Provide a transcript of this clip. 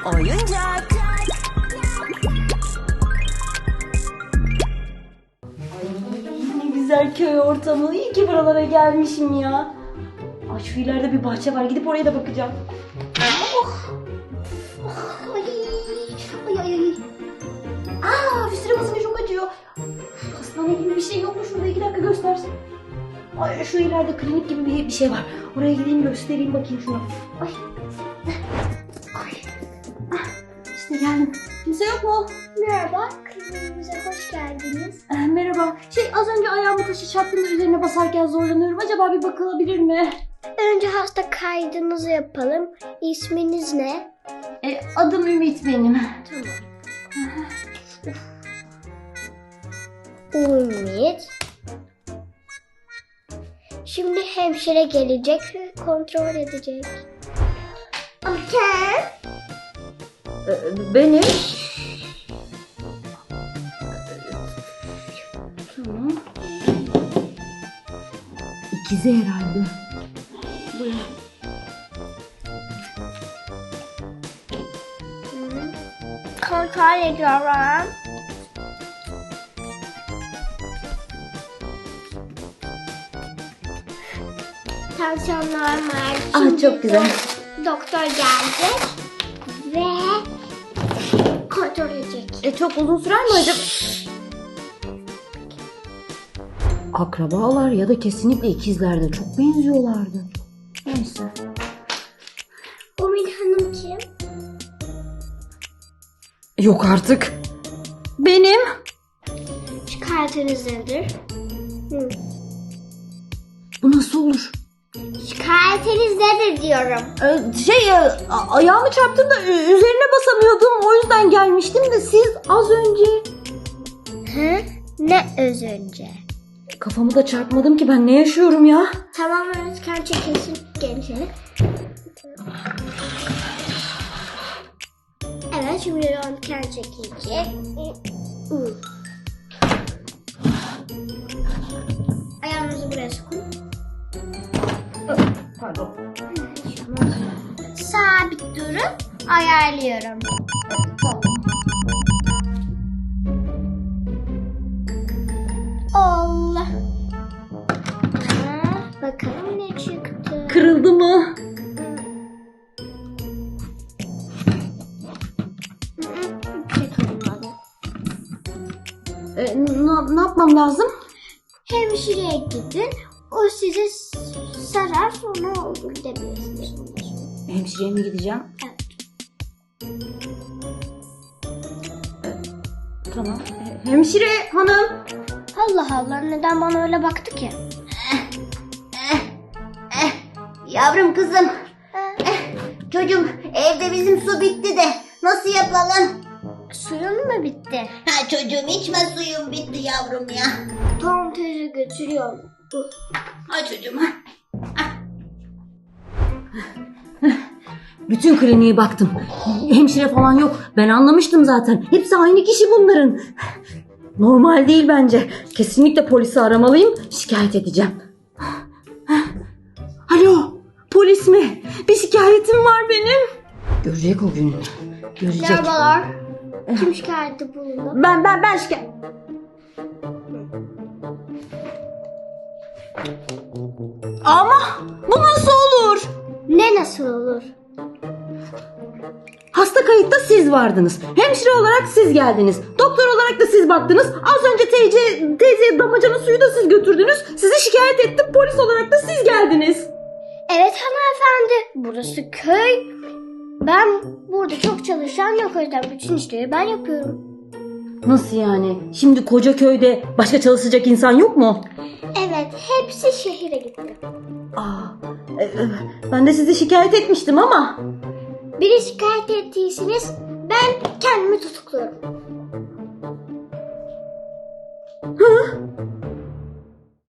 Oyuncak. Ne güzel köy ortamı. İyi ki buralara gelmişim ya. Ay şu ileride bir bahçe var. Gidip oraya da bakacağım. Oh. Ay. Ay ay ay. Aa, üstüne basınca çok acıyor. Hastane gibi bir şey yok mu? Şurada 2 dakika göstersin. Ay, şu ileride klinik gibi bir şey var. Oraya gideyim göstereyim bakayım şuna. Ay. Ay. Ah, İşte geldim. Kimse yok mu? Merhaba, kliniğimize hoş geldiniz. Merhaba. Az önce ayağımı taşı çarptığımda üzerine basarken zorlanıyorum. Acaba bir bakılabilir mi? Önce hasta kaydınızı yapalım. İsminiz ne? Adım Ümit benim. Tamam. Ümit. Şimdi hemşire gelecek ve kontrol edecek. Okay. Benim. Tamam. İkizi herhalde. Buyurun. Kontrol ediyorum. Tansiyon normal. Şimdi Çok güzel. Doktor gelecek ve kontrol edecek. Çok uzun sürer mi acaba? Akrabalar ya da kesinlikle ikizlerdi. Çok benziyorlardı. Neyse. Ümit Hanım kim? Yok artık. Benim. Şikayetiniz nedir? Bu nasıl olur? Şikayetiniz nedir diyorum. Ayağımı çarptım da üzerine basamıyordum. O yüzden gelmiştim de siz az önce. Ne öz önce? Kafamı da çarpmadım ki, ben ne yaşıyorum ya? Tamam, röntgen çekilsin gençler. Evet, şimdi röntgen çekilecek. Ayağınızı buraya sokun. Pardon. Sabit durun. Ayarlıyorum. Allah. Bakalım ne çıktı. Kırıldı mı? Ne yapmam lazım? Hemşireye gidin. O size sarar, sonra olur demeyiz. Hemşireye mi gideceğim? Evet. Tamam. Hemşire hanım. Allah Allah, neden bana öyle baktı ki? Yavrum kızım. Çocuğum, evde bizim su bitti de nasıl yapalım? Suyun mu bitti? Ha çocuğum, içme suyum bitti yavrum ya. Tamam teyze, götürüyorum. Ha çocuğum. Bütün kliniğe baktım. Hemşire falan yok. Ben anlamıştım zaten. Hepsi aynı kişi bunların. Normal değil bence. Kesinlikle polisi aramalıyım. Şikayet edeceğim. Alo, polis mi? Bir şikayetim var benim. Görecek o gün. Görecek. Merhabalar. Kim şikayette bulundu? Ben şikayet... Ama bu nasıl olur? Ne nasıl olur? Hasta kayıtta siz vardınız. Hemşire olarak siz geldiniz. Doktor olarak da siz baktınız. Az önce teyzeye damacana suyu da siz götürdünüz. Sizi şikayet ettim. Polis olarak da siz geldiniz. Evet hanımefendi. Burası köy. Ben burada çok çalışan yok, o yüzden bütün işleri ben yapıyorum. Nasıl yani? Şimdi koca köyde başka çalışacak insan yok mu? Evet, hepsi şehire gitti. Ben de sizi şikayet etmiştim ama. Biri şikayet ettiyseniz ben kendimi tutukluyorum.